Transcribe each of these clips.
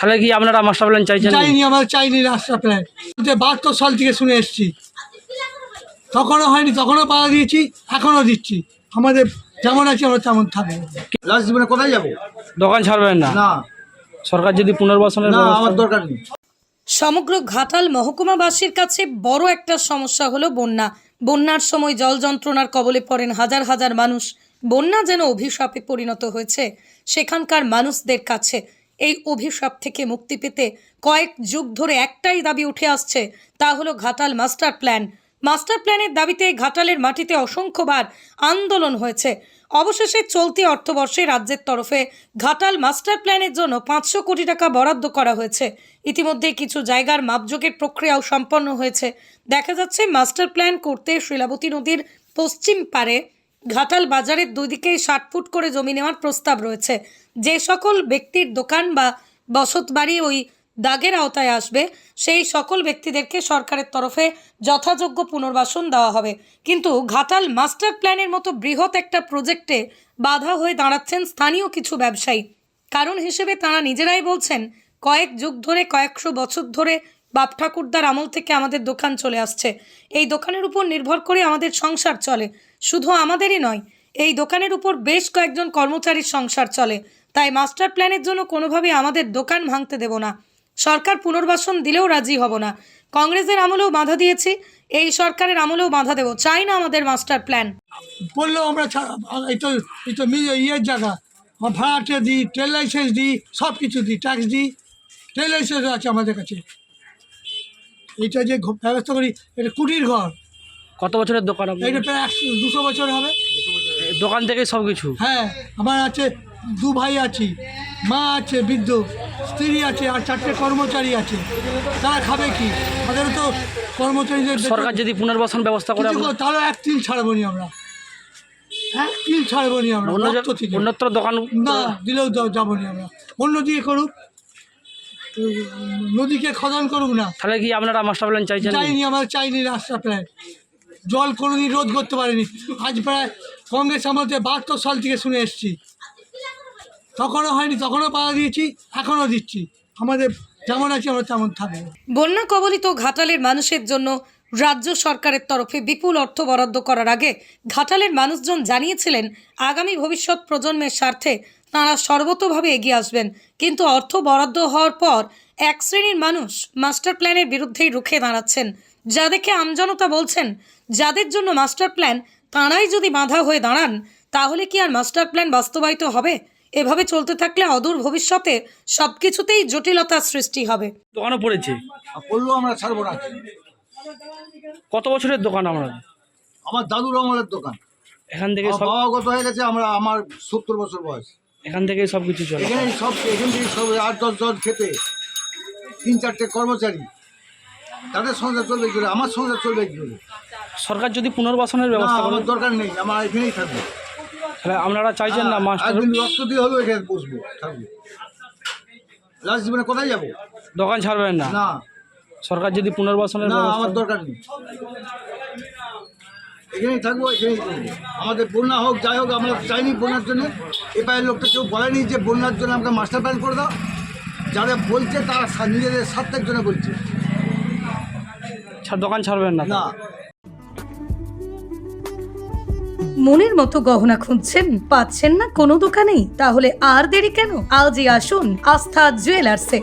তাহলে কি আপনারা মাস্টার প্ল্যান চাইছেন? চাইনি, আমার চাইনি মাস্টার প্ল্যান। 72 সাল থেকে শুনে এসেছি, তখনও হয়নি, তখনও পাওয়া দিয়েছি, এখনও দিচ্ছি। আমাদের যেমন আছে আমরা তেমন থাকবো। লাস্ট জীবনে কোথায় যাবো? দোকান ছাড়বেন না? না, সরকার যদি পুনর্বাসনের না, ব্যবস্থা আমার দরকার নেই। সমগ্র ঘাটাল মহকুমাবাসীর কাছে বড় একটা সমস্যা হলো বন্যা। বন্যার সময় জল যন্ত্রণার কবলে পড়েন হাজার হাজার মানুষ। বন্যা যেন অভিশাপে পরিণত হয়েছে সেখানকার মানুষদের কাছে। এই অভিশাপ থেকে মুক্তি পেতে কয়েক যুগ ধরে একটাই দাবি উঠে আসছে, তা হলো ঘাটাল মাস্টার প্ল্যান। মাস্টার প্ল্যানের দাবিতে ঘাটালের মাটিতে অসংখ্যবার আন্দোলন হয়েছে। অবশেষে চলতি অর্থবর্ষে রাজ্যের তরফে ঘাটাল মাস্টার প্ল্যানের জন্য 500 কোটি টাকা বরাদ্দ করা হয়েছে। ইতিমধ্যে কিছু জায়গার মাপযোগের প্রক্রিয়াও সম্পন্ন হয়েছে। দেখা যাচ্ছে মাস্টার প্ল্যান করতে শিলাবতী নদীর পশ্চিম পারে ঘাটাল বাজারের দুই দিকে 60 ফুট করে জমি নেওয়ার প্রস্তাব রয়েছে। যে সকল ব্যক্তির দোকান বা বসতবাড়ি ওই দাগের আওতায় আসবে সেই সকল ব্যক্তিদেরকে সরকারের তরফে যথাযোগ্য পুনর্বাসন দেওয়া হবে। কিন্তু ঘাটাল মাস্টার প্ল্যানের মতো বৃহৎ একটা প্রজেক্টে বাধা হয়ে দাঁড়াচ্ছেন স্থানীয় কিছু ব্যবসায়ী। কারণ হিসেবে তারা নিজেরাই বলছেন, কয়েক যুগ ধরে, কয়েকশো বছর ধরে বাপ ঠাকুরদার আমল থেকে আমাদের দোকান চলে আসছে। এই দোকানের উপর নির্ভর করে আমাদের সংসার চলে। শুধু আমাদেরই নয়, এই দোকানের উপর বেশ কয়েকজন কর্মচারীর সংসার চলে। তাই মাস্টার প্ল্যানের জন্য কোনোভাবে আমাদের দোকান ভাঙতে দেব না। সরকার পুনর্বাসন দিলেও রাজি হব না। কংগ্রেসের আমলেও বাধা দিয়েছি, এই সরকারের আমলেও বাধা দেব। চাই না আমাদের মাস্টার প্ল্যান। বললেও আমরা এই তো ইয়ের জায়গা, আমার ভাড়াটে দিই, ট্রেন লাইসেন্স দিই, সব কিছু দিই, ট্যাক্স দিই, ট্রেন লাইসেন্সও আছে আমাদের কাছে। এইটা যে ব্যবস্থা করি, এটা কুটির ঘর। কত বছরের দোকান আপনার? এটা প্রায় 200 বছর হবে। দোকান থেকে সব কিছু? হ্যাঁ, আমার আছে 2 ভাই আছি, মা আছে বৃদ্ধ, স্ত্রী আছে, আর 4টে কর্মচারী আছে। তারা খাবে কি? আমাদেরও তো কর্মচারীদের সরকার যদি পুনর্বাসন ব্যবস্থা করে তাহলে 1 তিল ছাড়বো নি আমরা, 1 তিল ছাড়বো নি আমরা। অন্যত্র দোকান না দিলেও যাবো নি আমরা। অন্য দিকে করুক, নদীকে খনন করুক না। তাহলে কি আপনারা মাস্টার প্ল্যান চাইছেন? চাইনি, আমার চাইনি মাস্টার প্ল্যান। জল কোনোদিন রোধ করতে পারেনি। আজ প্রায় কংগ্রেস আমলে 72 সাল থেকে শুনে এসেছি, তখনও হয়নি, তখনও পাওয়া দিয়েছি, এখনও দিচ্ছি। আমাদের যেমন আছে আমরা তেমন থাকবো। বন্যা কবলিত ঘাটালের মানুষের জন্য রাজ্য সরকারের তরফে বিপুল অর্থ বরাদ্দ করার আগে ঘাটালের মানুষজন জানিয়েছিলেন আগামী ভবিষ্যৎ প্রজন্মের স্বার্থে তাঁরা সর্বতোভাবে এগিয়ে আসবেন। কিন্তু অর্থ বরাদ্দ হওয়ার পর এক শ্রেণীর মানুষ মাস্টার প্ল্যানের বিরুদ্ধেই রুখে দাঁড়াচ্ছেন, যা দেখে আমজনতা বলছেন যাদের জন্য মাস্টার প্ল্যান তাঁরাই যদি বাধা হয়ে দাঁড়ান তাহলে কি আর মাস্টার প্ল্যান বাস্তবায়িত হবে? এভাবে চলতে থাকলে অদূর ভবিষ্যতে সবকিছুতেই জটিলতার সৃষ্টি হবে। দোকানও পড়েছে? বললেও আমরা ছাড়বো না। কত বছরের দোকান আপনার? আমার দাদুর আমলের দোকান। এখান থেকে বাবা গত হয়ে গেছে, আমার 70 বছর বয়স। এখান থেকেই সব কিছু চলে? এখান থেকে সব 8-10 জন খেতে, 3-4টে কর্মচারী, তাদের সংসার চলবে কি করে? আমার সংসার চলবে কি করে? সরকার যদি পুনর্বাসনের ব্যবস্থা করে? আমার দরকার নেই, আমার এখানেই থাকবে। তাহলে আপনারা চাইছেন না মাস্টার? একদিন রক্ত দিয়ে হলেও এখানে বসবো, থাকবো। লাস্ট জীবনে কোথায় যাবো? দোকান ছাড়বেন না? না, সরকার যদি পুনর্বাসনের না, ব্যবস্থা? আমার দরকার নেই, এখানেই থাকবো, এখানেই করবো। আমাদের বন্যা হোক, যাই হোক, আমরা চাইনি বন্যার জন্য। এপারের লোকটা কেউ বলেনি যে বন্যার জন্য আমাকে মাস্টার প্ল্যান করে দাও। যারা বলছে তারা নিজেদের স্বার্থের জন্য বলছে। দোকান ছাড়বেন না? না। মনের মতো গহনা খুঁজছেন, পাচ্ছেন না কোনো দোকানেই? তাহলে আর দেরি কেন? আজই আসুন আস্থা জুয়েলার্সে।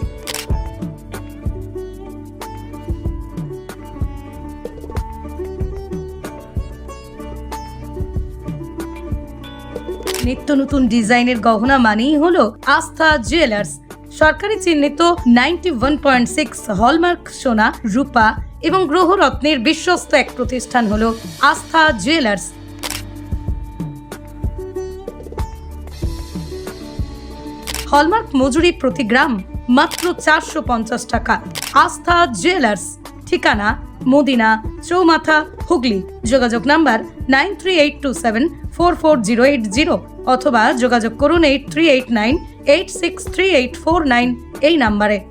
নিত্য নতুন ডিজাইনের গহনা মানেই হলো আস্থা জুয়েলার্স। সরকারি চিহ্নিত 91.6 হলমার্ক সোনা, রূপা এবং গ্রহরত্নের বিশ্বস্ত এক প্রতিষ্ঠান হলো আস্থা জুয়েলার্স। হলমার্ক মজুরি প্রতি গ্রাম মাত্র 450 টাকা। আস্থা জুয়েলার্স, ঠিকানা মদিনা চৌমাথা, হুগলি। যোগাযোগ নাম্বার 9382744080 অথবা যোগাযোগ করুন 8389863849 এই নাম্বারে।